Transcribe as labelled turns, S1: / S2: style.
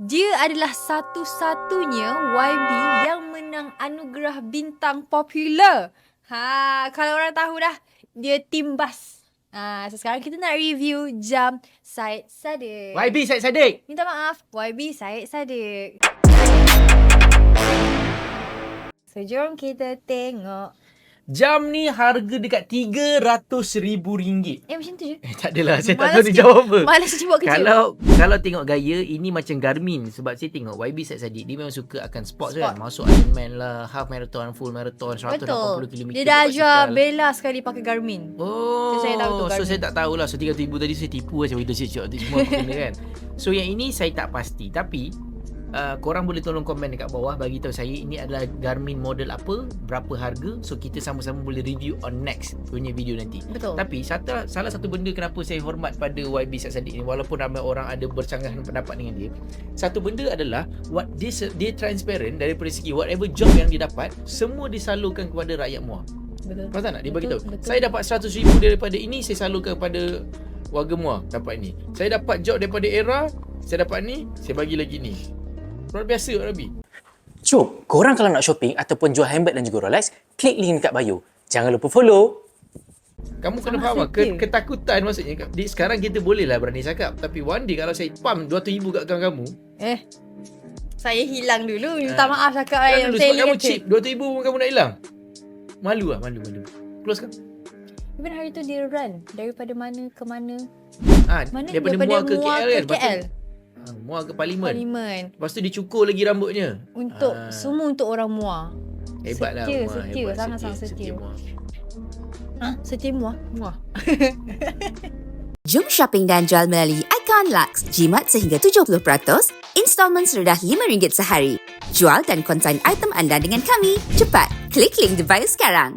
S1: Dia adalah satu-satunya YB yang menang anugerah bintang popular. Kalau orang tahu dah, dia Timbas. So sekarang kita nak review jam Syed Saddiq.
S2: YB Syed Saddiq.
S1: Minta maaf, YB Syed Saddiq. So jom kita tengok.
S2: Jam ni harga dekat RM300,000.
S1: Macam tu je.
S2: Tak adalah, saya tak
S1: Malas
S2: tahu dia jawab apa.
S1: Malas je buat kerja.
S2: Kalau tengok gaya, ini macam Garmin. Sebab saya tengok YB Syed Saddiq, dia memang suka akan sports kan. Masuk Ironman lah, half marathon, full marathon, 180km.
S1: Dia dah ajar Bella sekali pakai Garmin.
S2: Oh,
S1: so, saya tahu tu Garmin.
S2: So saya tak tahulah. So RM300,000 tadi saya tipu macam itu semua aku kena kan. So yang ini saya tak pasti. Tapi korang boleh tolong komen dekat bawah, bagi tahu saya ini adalah Garmin model apa, berapa harga. So kita sama-sama boleh review on next punya video nanti.
S1: Betul.
S2: Tapi salah satu benda kenapa saya hormat pada YB Syed Saddiq ni, walaupun ramai orang ada bercanggah pendapat dengan dia, satu benda adalah dia transparent daripada segi whatever job yang dia dapat, semua disalurkan kepada rakyat Muar.
S1: Betul.
S2: Faham tak? Dia bagi tahu.
S1: Betul.
S2: Saya dapat RM100,000 daripada ini, saya salurkan kepada warga Muar dapat ni. Saya dapat job daripada Era, saya dapat ni, saya bagi lagi ni. Luar biasa Rabi.
S3: Jom, korang kalau nak shopping ataupun jual handbag dan juga Rolex, klik link dekat bio. Jangan lupa follow.
S2: Kamu kena faham lah, ketakutan maksudnya. Sekarang kita boleh lah berani cakap. Tapi one day kalau saya pump RM200,000 kat akaun kamu,
S1: saya hilang dulu. Minta maaf cakap
S2: yang
S1: saya
S2: sebab kamu cheap, RM200,000 pun kamu nak hilang. Malu lah, malu. Close kan?
S1: Even hari tu dia run daripada mana ke mana.
S2: Daripada Muar ke KL kan?
S1: KL.
S2: Muar ke Parlimen.
S1: Lepas
S2: tu dicukur lagi rambutnya.
S1: Untuk semua untuk orang Muar.
S2: Hebatlah Muar.
S1: Setia, sangat-sangat setia. Setia Muar.
S4: Jom shopping dan jual melalui Icon Lux. Jimat sehingga 70%, installment serendah RM5 sehari. Jual dan konsign item anda dengan kami. Cepat, klik link di bio sekarang.